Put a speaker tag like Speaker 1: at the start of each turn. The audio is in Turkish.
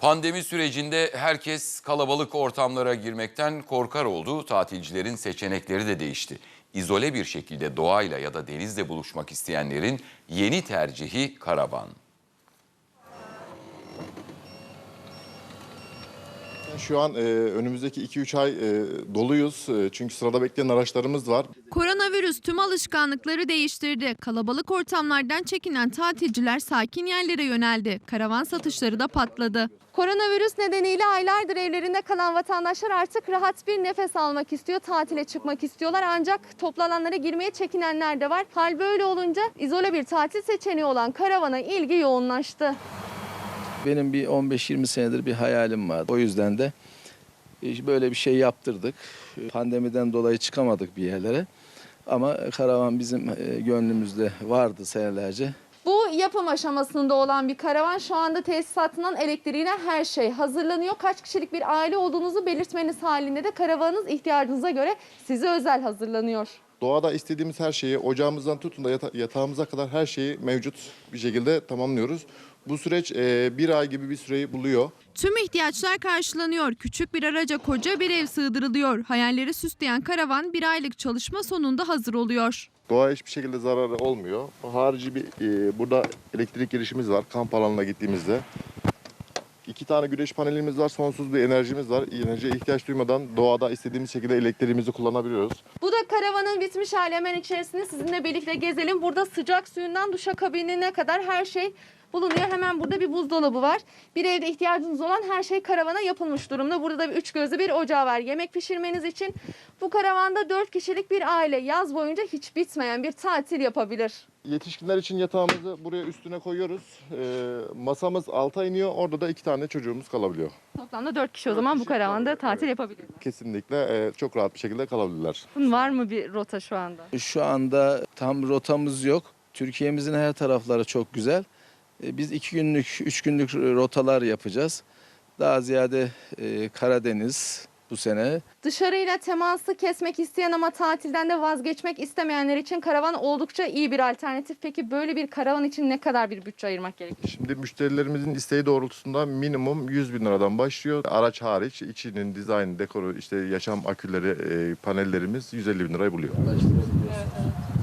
Speaker 1: Pandemi sürecinde herkes kalabalık ortamlara girmekten korkar oldu. Tatilcilerin seçenekleri de değişti. İzole bir şekilde doğayla ya da denizle buluşmak isteyenlerin yeni tercihi karavan.
Speaker 2: Şu an önümüzdeki 2-3 ay doluyuz. Çünkü sırada bekleyen araçlarımız var.
Speaker 3: Koronavirüs tüm alışkanlıkları değiştirdi. Kalabalık ortamlardan çekinen tatilciler sakin yerlere yöneldi. Karavan satışları da patladı. Koronavirüs nedeniyle aylardır evlerinde kalan vatandaşlar artık rahat bir nefes almak istiyor. Tatile çıkmak istiyorlar ancak toplu alanlara girmeye çekinenler de var. Hal böyle olunca izole bir tatil seçeneği olan karavana ilgi yoğunlaştı.
Speaker 4: Benim bir 15-20 senedir bir hayalim vardı. O yüzden de böyle bir şey yaptırdık. Pandemiden dolayı çıkamadık bir yerlere. Ama karavan bizim gönlümüzde vardı senelerce.
Speaker 3: Bu yapım aşamasında olan bir karavan, şu anda tesisatından elektriğine her şey hazırlanıyor. Kaç kişilik bir aile olduğunuzu belirtmeniz halinde de karavanınız ihtiyacınıza göre size özel hazırlanıyor.
Speaker 2: Doğada istediğimiz her şeyi, ocağımızdan tutun da yatağımıza kadar her şeyi mevcut bir şekilde tamamlıyoruz. Bu süreç bir ay gibi bir süreyi buluyor.
Speaker 3: Tüm ihtiyaçlar karşılanıyor. Küçük bir araca koca bir ev sığdırılıyor. Hayalleri süsleyen karavan bir aylık çalışma sonunda hazır oluyor.
Speaker 2: Doğaya hiçbir şekilde zararı olmuyor. Harici bir burada elektrik girişimiz var kamp alanına gittiğimizde. 2 tane güneş panelimiz var, sonsuz bir enerjimiz var. Enerjiye ihtiyaç duymadan doğada istediğimiz şekilde elektriğimizi kullanabiliyoruz.
Speaker 3: Bu da karavanın bitmiş hali. Hemen içerisinde sizinle birlikte gezelim. Burada sıcak suyundan duşakabinine kadar her şey bulunuyor. Hemen burada bir buzdolabı var. Bir evde ihtiyacınız olan her şey karavana yapılmış durumda. Burada da bir 3 gözlü bir ocağı var. Yemek pişirmeniz için bu karavanda 4 kişilik bir aile yaz boyunca hiç bitmeyen bir tatil yapabilir.
Speaker 2: Yetişkinler için yatağımızı buraya üstüne koyuyoruz. Masamız alta iniyor. Orada da 2 tane çocuğumuz kalabiliyor.
Speaker 3: Toplamda 4 kişi o zaman bu karavanda tatil yapabilir.
Speaker 2: Kesinlikle çok rahat bir şekilde kalabilirler.
Speaker 3: Var mı bir rota şu anda?
Speaker 4: Şu anda tam rotamız yok. Türkiye'mizin her tarafları çok güzel. Biz 2 günlük, 3 günlük rotalar yapacağız. Daha ziyade Karadeniz bu sene.
Speaker 3: Dışarıyla teması kesmek isteyen ama tatilden de vazgeçmek istemeyenler için karavan oldukça iyi bir alternatif. Peki böyle bir karavan için ne kadar bir bütçe ayırmak gerekiyor?
Speaker 2: Şimdi müşterilerimizin isteği doğrultusunda minimum 100 bin liradan başlıyor. Araç hariç içinin dizayn, dekoru, işte yaşam aküleri, panellerimiz 150 bin lirayı buluyor.
Speaker 3: Evet.